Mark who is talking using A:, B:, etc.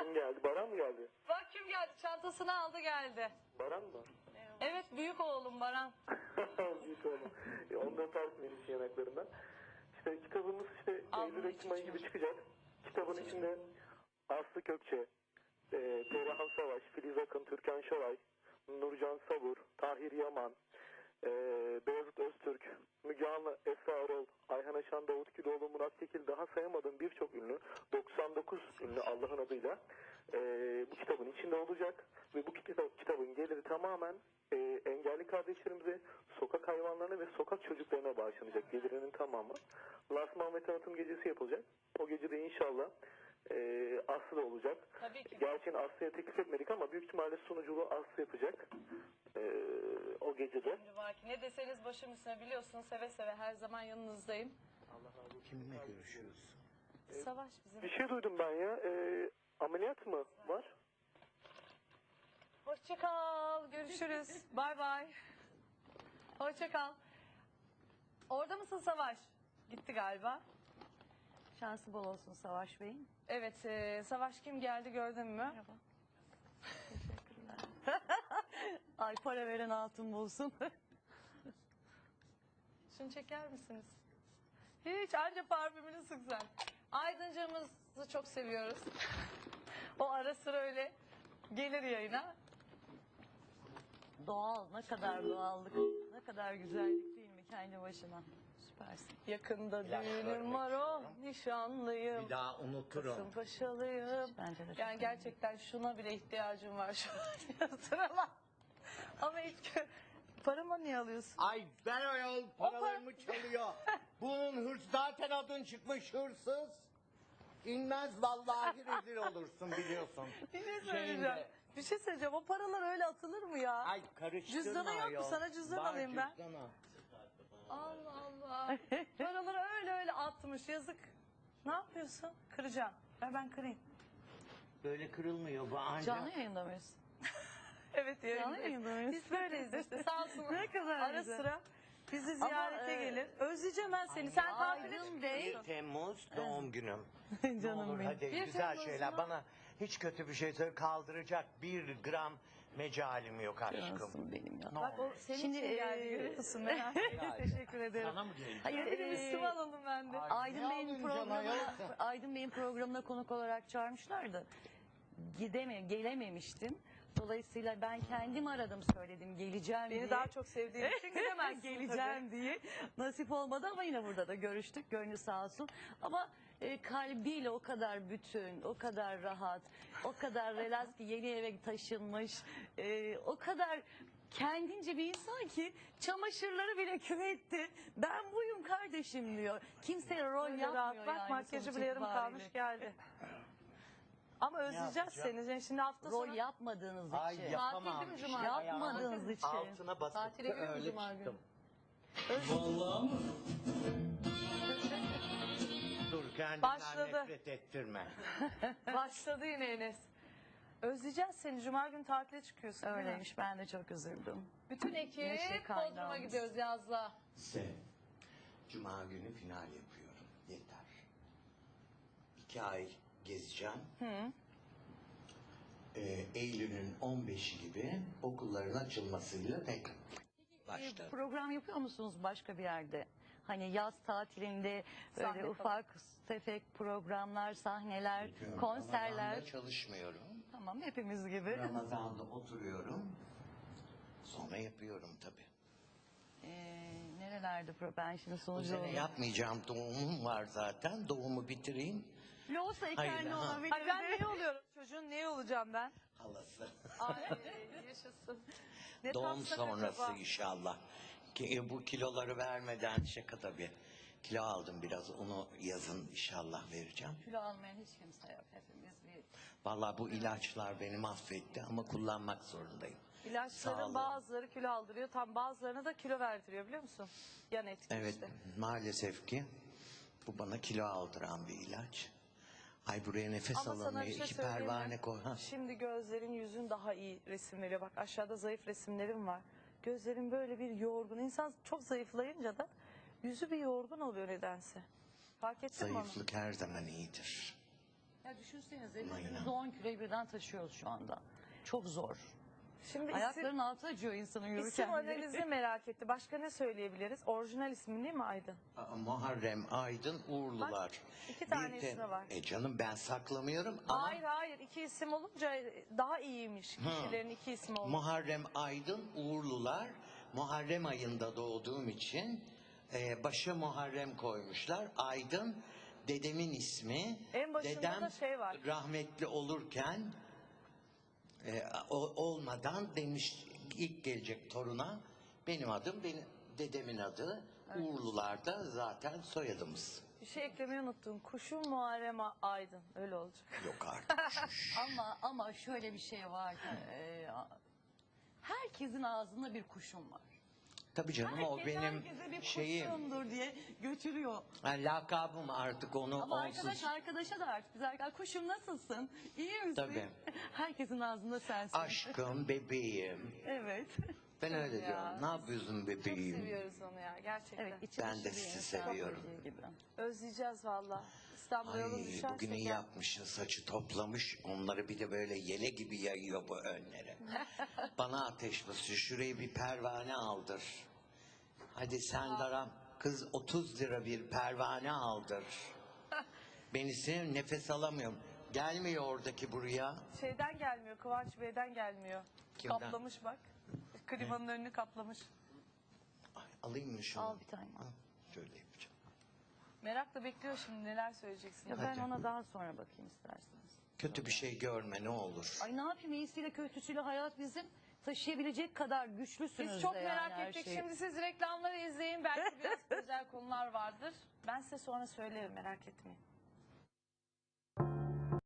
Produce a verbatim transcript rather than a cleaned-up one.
A: Kim geldi? Baran mı geldi?
B: Bak kim geldi, çantasını aldı geldi.
A: Baran mı?
B: Evet, büyük oğlum Baran.
A: Büyük oğlum. E, ondan tartmıyoruz yanaklarından. İşte kitabımız işte
B: Aldım,
A: Eylül Ekim ayı gibi çıkacak. Kitabın içinde Aslı Kökçe, e, Perihan Savaş, Filiz Akın, Türkan Şoray, Nurcan Sabur, Tahir Yaman, e, Beyazıt Öztürk, Müge Anlı, Esra Erol, Ayhan Aşan, Davut Güloğlu, Murat Kekil, daha sayamadığım birçok ünlü, doksan dokuz ünlü Allah'ın adıyla e, bu kitabın içinde olacak. Ve bu kitap, kitabın geliri tamamen e, engelli kardeşlerimize, sokak hayvanlarına ve sokak çocuklarına bağışlanacak, gelirinin tamamı. Lansman ve tanıtım gecesi yapılacak. O gece de inşallah e, Aslı da olacak.
B: Tabii ki.
A: Gerçi Aslı'ya teklif etmedik ama büyük ihtimalle sunuculuğu Aslı yapacak. E, o gecede.
B: Şimdi bak, ne deseniz başım üstüne, biliyorsunuz seve seve her zaman yanınızdayım.
C: Kiminle görüşüyorsun?
B: Savaş bizim.
A: Bir şey duydum ben ya. E, ameliyat mı var?
B: Hoşça kal, görüşürüz. Bay bay. Hoşça kal. Orada mısın Savaş? Gitti galiba.
D: Şansı bol olsun Savaş Bey'in.
B: Evet, e, Savaş kim geldi gördün mü?
D: Merhaba. Ay para veren altın bulsun.
B: Şunu çeker misiniz? Hiç, anca parfümünü sık sen. Aydıncığımızı çok seviyoruz. O ara sıra öyle gelir yayına.
D: Doğal, ne kadar doğallık, ne kadar güzellik değil mi kendi başına? Süpersin.
B: Yakında
C: İlaç
B: düğünüm
C: görmek
B: var, o
C: istiyorum.
B: nişanlıyım.
C: Bir daha unuturum.
B: Kasımpaşalıyım.
D: Bence de çok
B: Yani gerçekten şuna bile ihtiyacım var şu an. Sırala. Ama hiç gö- paramı niye alıyorsun?
C: Ay ver o yol paralarımı çalıyor. Bunun hırs zaten adın çıkmış hırsız. İnmez vallahi rezil olursun biliyorsun.
B: Bir şey
C: Şeyinde-
B: söyleyeceğim. Bir şey söyleyeceğim. O paralar öyle atılır mı ya?
C: Ay karıştırma
B: Cüzdanı yok mu?
C: ayol.
B: Sana cüzdan
C: Var
B: alayım ben.
C: cüzdanı.
B: Allah Allah. Paraları öyle öyle atmış, yazık. Ne yapıyorsun? Kıracağım. Ver ben kırayım.
C: Böyle kırılmıyor bu ancak.
D: Canlı yayında mıyız?
B: Evet,
D: Canlı
B: yayındayız.
D: yayında mıyız?
B: Biz böyleyiz işte, sağ olsun.
D: Ne kadar
B: Ara
D: güzel.
B: sıra bizi
D: Ama,
B: ziyarete
D: e,
B: gelir. Özleyeceğim ben seni. Sen tatile
D: Aydın
B: çıkıyorsun.
D: Bey.
C: bir Temmuz doğum günüm.
D: Canım
C: Olur
D: benim.
C: hadi
B: Bir
C: güzel
B: Temmuz
C: şeyler.
B: mu?
C: Bana hiç kötü bir şey söyle kaldıracak bir gram mecalim yok aşkım.
D: Cansın benim ya.
C: Ne
B: Bak o
C: olur.
B: senin
D: Şimdi,
B: için geldi,
D: e,
B: görüyor musun? Merak etme. Teşekkür ederim.
C: Sana mı geldi?
D: Hayır,
B: Benim
D: e,
B: üstüme alalım ben de.
C: Ay,
D: Aydın
C: ne
D: Bey'in
C: alın canım
D: programına,
C: ayol?
D: Aydın Bey'in programına konuk olarak çağırmışlardı. Gideme, gelememiştim. Dolayısıyla ben kendim aradım, söyledim geleceğim diye.
B: Beni daha çok sevdiğin için gidemezsin
D: geleceğim diye. Nasip olmadı ama yine burada da görüştük. Gönlü sağ olsun. Ama e, kalbiyle o kadar bütün, o kadar rahat, o kadar relax ki yeni eve taşınmış. E, o kadar kendince bir insan ki çamaşırları bile küvetti. Ben buyum kardeşim diyor. Kimseye rol
B: Öyle
D: yapmıyor
B: rahat bak,
D: yani.
B: makyajı
D: sonuç
B: bile yarım
D: itibariyle.
B: kalmış geldi. Ama özleyeceğiz
C: yapacağım?
B: seni. Şimdi hafta
D: Rol
B: sonu
D: yapmadığınız
C: Ay
D: için.
C: yapamam.
B: Tatil değil mi
C: işte.
B: Cuma?
D: Yapmadığınız için.
C: Altına basıp
B: Tatile
C: da
B: gidiyor mu
C: öyle
B: Cuma günü?
C: çıktım.
E: Vallahi mı?
C: Dur kendinden
B: Başladı.
C: nefret ettirme.
B: başladı yine Enes. Özleyeceğiz seni. Cuma günü tatile çıkıyorsun. değil mi?
D: Öyleymiş, ben de çok üzüldüm.
B: Bütün
D: Neşe
B: ekip
D: kaynağımız.
B: Bodrum'a gidiyoruz yazla.
C: Se. Cuma günü final yapıyorum. Yeter. İki ay gezeceğim.
B: Hı.
C: Ee, Eylül'ün on beşi gibi okulların açılmasıyla tek başlarım.
D: Program yapıyor musunuz başka bir yerde? Hani yaz tatilinde böyle
B: Sahne
D: ufak tefek programlar, sahneler,
C: Yapıyorum.
D: konserler.
C: Ramazan'da çalışmıyorum.
D: Tamam, hepimiz gibi.
C: Ramazan'da oturuyorum. Sonra yapıyorum tabii.
D: Ee, nerelerde pro ben şimdi
C: Bu
D: sonucu
C: sene
D: olayım.
C: yapmayacağım. Doğumum var zaten. Doğumu bitireyim.
D: Loğusa
C: Hayır,
D: iken ne
C: ha.
D: olabilir?
B: Ay ben ne oluyorum? Çocuğun ne olacağım ben?
C: Halası.
B: Ay yaşasın. Ne
C: Doğum
B: tatsak
C: sonrası
B: acaba?
C: inşallah. Ki, e, bu kiloları vermeden şaka tabii. Kilo aldım biraz. Onu yazın inşallah vereceğim.
D: Kilo almayan hiç kimse yok. Hepimiz bir
C: Vallahi bu ilaçlar beni mahvetti ama kullanmak zorundayım.
B: İlaçların
C: Sağ olun.
B: bazıları kilo aldırıyor. Tam bazılarına da kilo verdiriyor, biliyor musun? Yan etki
C: Evet
B: işte.
C: maalesef ki bu bana kilo aldıran bir ilaç. Ay buraya nefes
B: Ama sana
C: alamıyor.
B: bir şey
C: İki
B: söyleyeyim mi?
C: pervane koy. Ha.
B: Şimdi gözlerin, yüzün daha iyi resim veriyor. Bak aşağıda zayıf resimlerim var. Gözlerin böyle bir yorgun. İnsan çok zayıflayınca da yüzü bir yorgun oluyor nedense. Fark ettin mi onu?
C: Zayıflık her zaman iyidir.
D: Ya düşünsenize
C: Aynen.
D: biz on kiloyu birden taşıyoruz şu anda. Çok zor.
B: Şimdi isim,
D: Ayakların altı acıyor insanın yürürken.
B: isim
D: bile.
B: analizi merak etti. Başka ne söyleyebiliriz? Orijinal ismin değil mi Aydın?
C: Aa, Muharrem Aydın Uğurlular.
B: iki tane
C: Bir de-
B: ismi var.
C: E canım ben saklamıyorum ama
B: Hayır hayır iki isim olunca daha iyiymiş. Kişilerin iki ismi olması.
C: Muharrem Aydın Uğurlular. Muharrem ayında doğduğum için e, başa Muharrem koymuşlar. Aydın dedemin ismi.
B: En başında
C: Dedem
B: da şey var.
C: rahmetli olurken e, o- olmadan demiş ilk gelecek toruna benim adım benim dedemin adı. Uğurlular da zaten soyadımız.
B: Bir şey eklemeyi unuttum. Kuşum Muharrem Aydın. Öyle olacak.
C: Yok artık.
D: Ama ama şöyle bir şey var ki e, herkesin ağzında bir kuşum var.
C: Tabii canım o
D: Herkes
C: benim
D: herkese bir
C: şeyim.
D: kuşumdur diye götürüyor.
C: Ha, lakabım artık onu
D: Ama
C: onsuz.
D: arkadaş arkadaşa da artık biz arkadaş kuşum nasılsın? İyi misin?
C: Tabii.
D: Herkesin ağzında sensin.
C: Aşkım, bebeğim.
D: Evet.
C: Ben öyle
B: Ya.
C: diyorum. Ne yapıyorsun
B: Çok
C: bebeğim?
B: seviyoruz onu ya gerçekten.
D: Evet, içi
C: Ben
D: dışı
C: de
D: bir
C: sizi
D: insan
C: seviyorum.
D: dediği gibi.
B: Özleyeceğiz valla. İstanbul'a yolun
C: Ay
B: düşerse
C: bugün iyi
B: gel.
C: yapmışsın saçı toplamış. Onları bir de böyle yele gibi yayıyor bu önlere. Bana ateş basıyor. Şuraya bir pervane aldır. Hadi sen daram. Kız otuz lira bir pervane aldır. Beni sev nefes alamıyorum. Gelmiyor oradaki buraya.
B: Şeyden gelmiyor. Kıvanç Bey'den gelmiyor.
C: Kimden?
B: Kaplamış bak. Klimanın önünü kaplamış.
C: Ay, alayım mı şunu?
D: Al bir tane.
C: Al, şöyle yapacağım.
B: Merakla bekliyor şimdi neler söyleyeceksin.
D: Ya
C: Hadi.
D: ben ona daha sonra bakayım isterseniz.
C: Kötü bir şey görme ne olur.
D: Ay ne yapayım iyisiyle kötüsüyle hayat bizim taşıyabilecek kadar güçlüsünüz
B: Biz çok
D: de yani
B: merak
D: her
B: ettik.
D: şeyi.
B: Şimdi siz reklamları izleyin. Belki biraz özel konular vardır. Ben size sonra söylerim merak etmeyin.